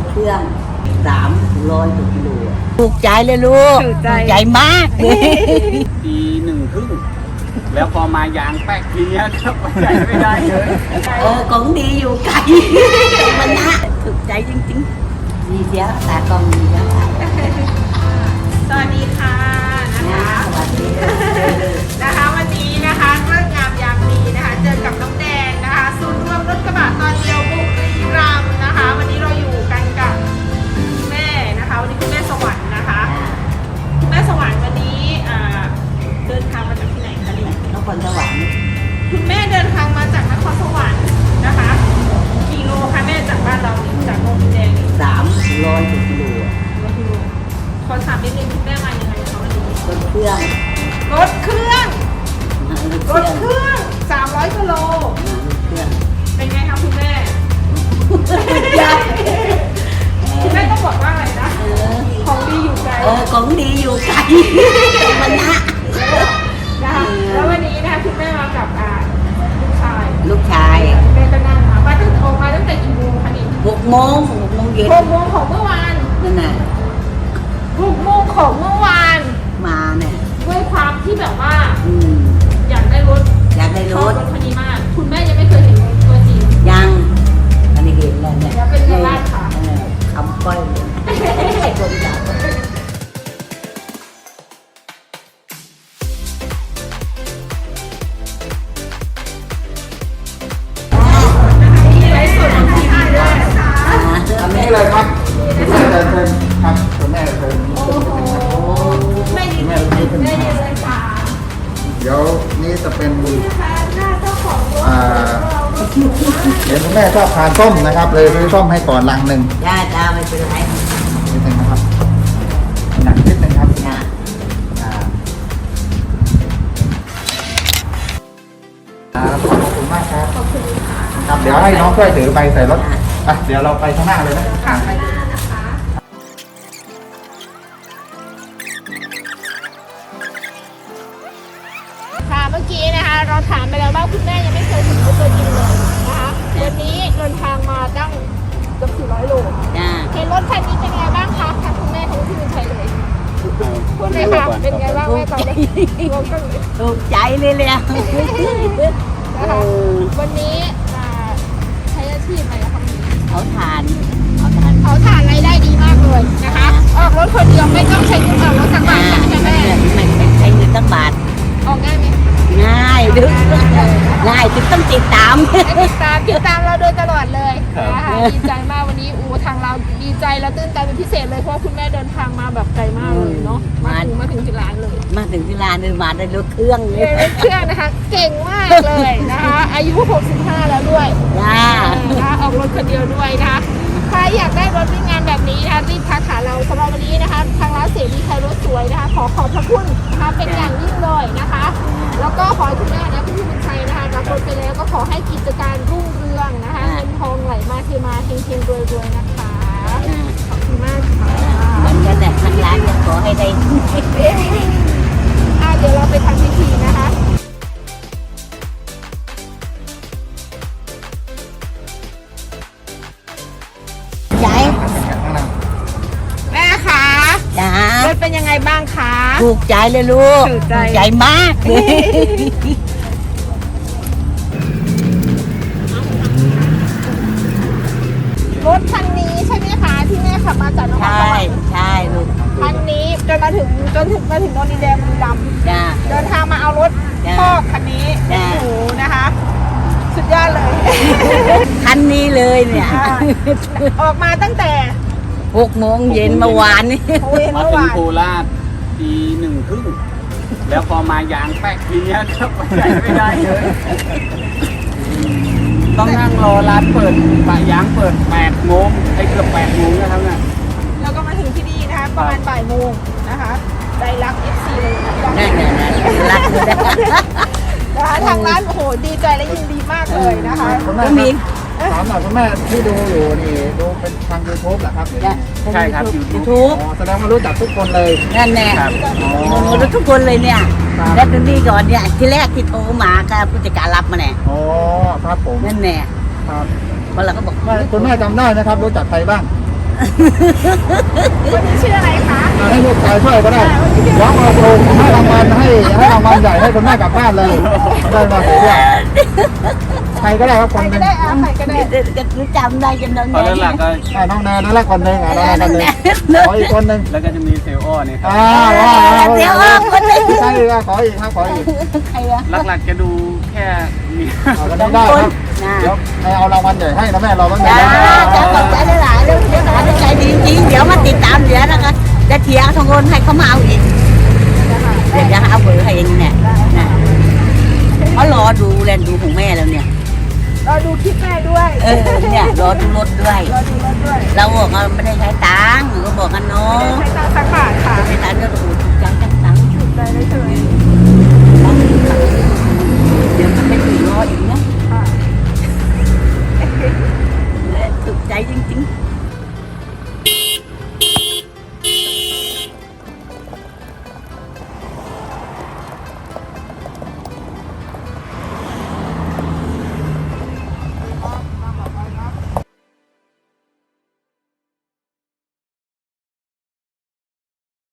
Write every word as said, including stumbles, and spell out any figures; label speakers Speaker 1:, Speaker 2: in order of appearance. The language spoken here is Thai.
Speaker 1: เครื่องสามร้อยกิโลถูกใจเลยลูกถูกใจมาก
Speaker 2: ปีหนึ่งครึ่งแล้วพอมายางแป๊กทีนี้ครับใจไม่ได้เลย
Speaker 1: เออของดีอยู่ไกลมันนะถูกใจจริงๆดีเสียตากล้องดีแล้ว
Speaker 3: สวัสดีค่ะนะคะ
Speaker 1: สวัสดี
Speaker 3: นะคะวันนี้นะคะเรื่องงามยามดีนะคะเจอกับน้องแดงนะคะศูนย์รวมรถกระบะตอนเดียวบุรีรัมย์นะคะวันนี้เราอยู่กันกับแม่นะคะวันนี้คุณแม่สวรรค์นะคะคุณแม่สวรรค์วันนี้เดินทางมาจากที่ไหนคะเนี่ย
Speaker 1: นครสวรรค์
Speaker 3: คุณแม่เดินทางมาจากนครสวรรค์นะคะกิโลคะแม่จากบ้านเราจากโรงแดง
Speaker 1: สามร้อยกิโล
Speaker 3: ขอถามนิดนึงคุณแม่มายังไงคะวันนี้
Speaker 1: รถเครื่อง
Speaker 3: รถเครื่องรถเครื่องสามร้อยกิโลเป็นไงคะคุณแม่คุณแม่ต้องบอกว่าอะไรนะของดีอยู่ไกล
Speaker 1: เออของดีอยู่ไกลมันนะ
Speaker 3: นะคะแล้ววันนี้นะคะคุณแม่มากับลูกชาย
Speaker 1: ลูกชาย
Speaker 3: แม่ก็นั่งมามาตั้งออกมาตั้งแต่กี่โมงคะนี่
Speaker 1: หกโมงหกโมงเย็น
Speaker 3: หกโมงของเมื่อวาน
Speaker 1: นั่นแหละ
Speaker 3: หกโมงของเมื่อวาน
Speaker 1: มาเนี่ย
Speaker 3: ด้วยความที่แบบว่า
Speaker 1: อื
Speaker 3: อยากได้รถ
Speaker 1: อยากได้รถ
Speaker 3: รถคันนี้มากคุณแม่ยังไม่เคยเห็นตัวจริง
Speaker 1: ยังอันนี้เห็นแล้วเนี่ย
Speaker 3: แล้วเป็นยังไงคะ
Speaker 1: คำก้อยเลยคนอยาก
Speaker 2: อันนี้เลยครับคุณแม่เดินเดินครับคุณแม่เดิน
Speaker 3: ไม่ดีไม่ดีเลยค่ะ
Speaker 2: เดี๋ยวนี้จะเป็นอ่าเห็นคุณแม่ชอบทานส้มนะครับเลยซื้อส้มให้ก่อนลังหนึ่ง
Speaker 1: จ้าจ้าไม่เป็นไร
Speaker 2: นิดนึงนะครับหนักนิดนึงครับ
Speaker 1: จ้า
Speaker 2: ขอบคุณมากครับขอบคุณค่ะครับเดี๋ยวให้น้องช่วยถือไปใส่รถอ่ะเดี๋ยวเราไปข้างหน้าเลยนะ
Speaker 3: ค่ะไปเลยนะคะค่ะเมื่อกี้นะคะเราถามไปแล้วว่าคุณแม่ยังไม่เคยถึงรถตัวจริงเลยนะคะวันนี้เดินทางมาตั้งเกือบสี่ร้อยโลเห็นรถคันนี้เป็นไงบ้างคะทางคุณแม่ของที่เป็นใครเลยคุณแม่คะเป็นไงบ้างแม่ตอนนี้
Speaker 1: ถูกใจเลยเลยนะคะ
Speaker 3: วันนี้ใช้อาชีพอะไรคะ
Speaker 1: เขาทานเขาทาน
Speaker 3: เขาทานรายได้ดีมากเลยนะคะออกรถคนเดียวไม่ต้องใช้เงินออกรถสักบาทใช่ไหมแม่
Speaker 1: ไม่ใช้เงินสักบาท
Speaker 3: ออกง่ายไหม
Speaker 1: ง่ายดึงง่ายจึงต้องติดตาม
Speaker 3: ติดตามติดตามเราโดยตลอดเลยนะคะดีใจมากวันนี้อูทางเราดีใจและตื่นเต้นเป็นพิเศษเลยเพราะคุณแม่เดินทางมาแบบไกลมากเลยเนาะมาถึงมาถึงที่ร้านเลย
Speaker 1: มาถึงที่ร้านเลยมาได้รถเครื่องเลย
Speaker 3: รถเครื่องนะคะเก่งมากเลยนะคะอายุหกสิบห้าแล้วด้วย
Speaker 1: จ้า
Speaker 3: นะคะออกรถคนเดียวด้วยนะคะใครอยากได้รถวิ่งงานแบบนี้นะคะรีบทักหาเราสำหรับวันนี้นะคะทางร้านเสรีไทยรถสวยนะคะขอขอบพระคุณนะคะเป็นอย่างยิ่งเลยนะคะแล้วก็ขอให้คุณแม่นะคุณพี่บุญชัยนะคะรับรถไปแล้วก็ขอให้กิจการรุ่งเรืองนะคะเงินทองไหลมาเทมาเฮงเฮงรวยรวยนะคะขอบคุณมากค่ะ
Speaker 1: เหมือนกันแหละทางร้านจะขอให้ได้
Speaker 3: อ่ะเดี๋ยวเราไปทำพิธีนะคะ
Speaker 1: ยาย
Speaker 3: แม่คะ
Speaker 1: จ้าร
Speaker 3: ถเป็นยังไงบ้างคะ
Speaker 1: ถูกใจเลยลูก
Speaker 3: ถูก
Speaker 1: ใจมากเลย
Speaker 3: รถคันนี้ใช่ไหมคะที่แม่ขับมาจากนครสวรรค์
Speaker 1: ใช่ลูก
Speaker 3: คันนี้จนมาถึงจนถึงมาถึงโนนดินแดงบุรีรัมย์เดินทางมาเอารถพ่อคันนี้โอ้โหนะคะสุดยอดเลย
Speaker 1: คันนี้เลยเนี่ย
Speaker 3: ออกมาตั้งแต่
Speaker 1: หกโมงเย็นเมื่อวานนี้
Speaker 2: มาถึงโคราชปีหนึ่งครึ่งแล้วพอมายางแป๊กทีนี้ครับใจไม่ได้เลยต้องนั่งรอร้านเปิดปะยางเปิดแปดโมงไอ้เกือบแปดโมงนะครับเนี่ย
Speaker 3: แล้วก็มาถึงที่นี่นะคะประมาณบ่ายโมงนะคะใจรัก เอฟ ซี เลย
Speaker 1: นั่นแหละรักเลย
Speaker 3: นะคะทางร้านโอ้โหดีใจและยินดีมากเลยนะคะ
Speaker 1: ก็มี
Speaker 2: ถามหน่อยคุณแม่ที่ดูอยู่นี่ดูเป็นทางยูทูบเหรอครับใช่ครับยูทูบแสดงว่ารู้จักทุกคนเลย
Speaker 1: นั่นแน่รู้ทุกคนเลยเนี่ยแล้วตรงนี้ก่อนเนี่ยที่แรกที่โทรมาก็ผู้จัดการรับมาแน่
Speaker 2: อ๋อครับผม
Speaker 1: นั่นแน่
Speaker 2: ครับ
Speaker 1: เพราะเราก็บอก
Speaker 2: คุณแม่จำได้นะครับรู้จักใครบ้าง
Speaker 3: วันนี้ชื่ออะไรคะ
Speaker 2: ให้ลูกชายช่วยก็ได้เดี๋ยวมาโปรให้รางวัลให้ให้รางวัลใหญ่ให้คุณแม่กลับบ้านเลยได้มาเสียเรื่องใครก็ได้ครับค
Speaker 3: ใคร
Speaker 2: นห
Speaker 3: ก็
Speaker 2: นึ่ง
Speaker 3: ได้เอาใครก็ได้
Speaker 1: จะจำได้จนน้อง
Speaker 4: ตอนนั้นหลักก็
Speaker 2: อ่าน้องแนนนั่นแหละคนหนึ่งอ่าน้องแนนคนหนึ่งขออีกคนหนึ่ง
Speaker 4: แล้วก็จะมีเซลล์อ้อเนี่ยครับ
Speaker 2: อ่าว้าว
Speaker 1: เดี๋ยวออกคนหนึ่ง
Speaker 2: ใช่ก็ขออีกครับขออีก
Speaker 1: ใครอะ
Speaker 4: หลักๆจะดูแค่มี
Speaker 2: เอาก็ได้ได้ครับเดี๋ยวให้เอารางวัลใหญ่ให้นะแม่เราบ้าง
Speaker 1: จ้า
Speaker 2: นะ
Speaker 1: จ้าขอบใจหลายๆเรื่องเดี๋ยวหลานใจดีจริงๆเดี๋ยวมาติดตามเดี๋ยวนะคะจะเทียร์ทงคนให้เขามาเอาอีกเดี๋ยวจะหาเบอร์ให้เองเนี่ยนะเขารอดูแลนดูของแม่แล้วเนี่ย
Speaker 3: เราดูคลิปแม่ด้วย
Speaker 1: เออเนี่ยรอดูรถด้วย
Speaker 3: เราดูรถด้วย
Speaker 1: เราบอกว่าไม่ได้ใช้ตังค์ก็บอกกันเนาะ
Speaker 3: ใช้ตังค์สักบาทค่ะ
Speaker 1: ใช้ตังค์ก็ถูกจังจังตังค์
Speaker 3: ถูกใจได้เลย
Speaker 1: เดี๋ยวมันไม่ถึงรออีกนะ
Speaker 3: ค่ะ
Speaker 1: ถูกใจจริงๆ